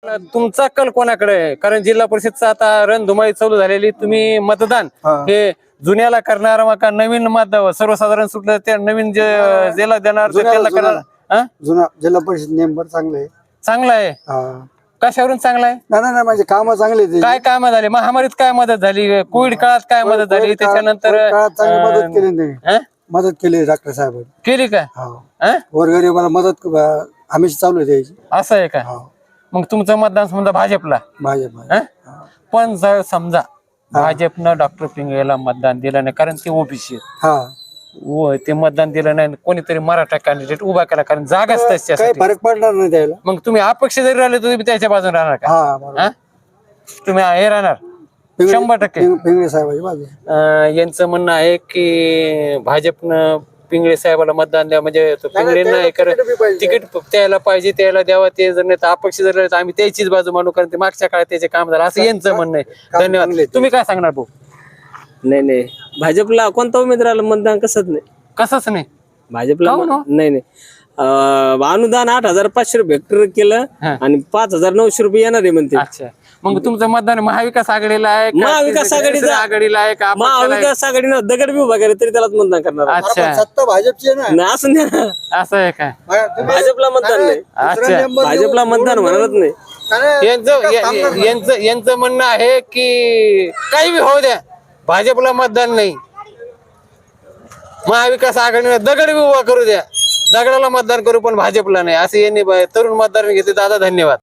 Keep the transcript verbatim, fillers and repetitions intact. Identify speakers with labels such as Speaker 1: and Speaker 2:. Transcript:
Speaker 1: तुमचा कल कोणाकडे आहे? कारण जिल्हा परिषदचा आता रणधुमाळी चालू झालेली, तुम्ही मतदान हे जुन्याला करणार मग का नवीन मत सर्वसाधारण सुटलं त्या नवीन जे ज्याला देणार ते त्याला करणार? हा?
Speaker 2: जुना जिल्हा परिषद नेमबर चांगले आहे.
Speaker 1: चांगला आहे. कशावरून चांगला आहे?
Speaker 2: नाही नाही माझे काम चांगले आहेत.
Speaker 1: काय काम झाले? महामारीत काय मदत झाली? कोविड काळात काय मदत झाली? त्याच्यानंतर
Speaker 2: काळात चांगली मदत केली त्यांनी.
Speaker 1: हा?
Speaker 2: मदत केली डॉक्टर साहेब
Speaker 1: केली का? हा?
Speaker 2: गोरगरिबाला मदत हमेशा चालू आहे द्यायची.
Speaker 1: असं आहे का? मग तुमचं मतदान समजा भाजपला.
Speaker 2: भाजप
Speaker 1: हा? पण जर समजा भाजपनं डॉक्टर पिंगळेला मतदान दिलं नाही कारण ते ओबीसी
Speaker 2: हा
Speaker 1: ते मतदान दिलं नाही, कोणीतरी मराठा कॅन्डिडेट उभा केला कारण जागाच
Speaker 2: काही
Speaker 1: त्याच्यासाठी.
Speaker 2: फरक पडणार नाही त्याला.
Speaker 1: मग तुम्ही अपक्ष जरी राहिले तुम्ही त्याच्या बाजूने राहणार का?
Speaker 2: हा बरोबर.
Speaker 1: हा? तुम्ही हे राहणार शंभर टक्के.
Speaker 2: पिंगळे साहेबाची बाजू.
Speaker 1: अं, यांचं म्हणणं आहे की भाजपनं पिंगळे साहेबाला मतदान द्या म्हणजे पिंगळेंना हे कर तिकीट त्याला पाहिजे त्याला द्यावा, ते जर नाही तर अपक्ष जर राहिले तर आम्ही त्याचीच बाजू मानू कारण ते मागच्या काळात त्याचे काम झालं असं यांचं म्हणणं आहे. धन्यवाद. तुम्ही काय सांगणार भाऊ?
Speaker 3: नाही नाही भाजपला कोणता उमेदवाराला मतदान कसंच नाही.
Speaker 1: कसंच नाही
Speaker 3: भाजपला
Speaker 1: काहून हो?
Speaker 3: नाही नाही अं, अनुदान आठ हजार पाचशे रुपये हेक्टर केलं
Speaker 1: हा.
Speaker 3: आणि पाच हजार नऊशे रुपये येणार आहे म्हणते.
Speaker 1: अच्छा, मग तुमचं मतदान महाविकास आघाडीला आहे का?
Speaker 3: महाविकास आघाडीचं-
Speaker 1: आघाडीला आहे का? अपक्षाला आहे?
Speaker 3: महाविकास आघाडीनं दगड बी उभा केला तरी त्यालाच मतदान करणार.
Speaker 1: अच्छा,
Speaker 2: सत्ता भाजपची आहे ना.
Speaker 3: नाही असं नाही ना.
Speaker 1: असं आहे का?
Speaker 3: भाजपला मतदान नाही.
Speaker 1: अच्छा,
Speaker 3: भाजपला मतदान म्हणत नाही.
Speaker 1: यांचं या- यांचं यांचं म्हणणं आहे की काही बी होऊ द्या भाजपला मतदान नाही, महाविकास आघाडीने दगड बी उभा करू द्या, दगडाला मतदान करू पण भाजपला नाही, असं यांनी तरुण मतदार घेतले. दादा धन्यवाद.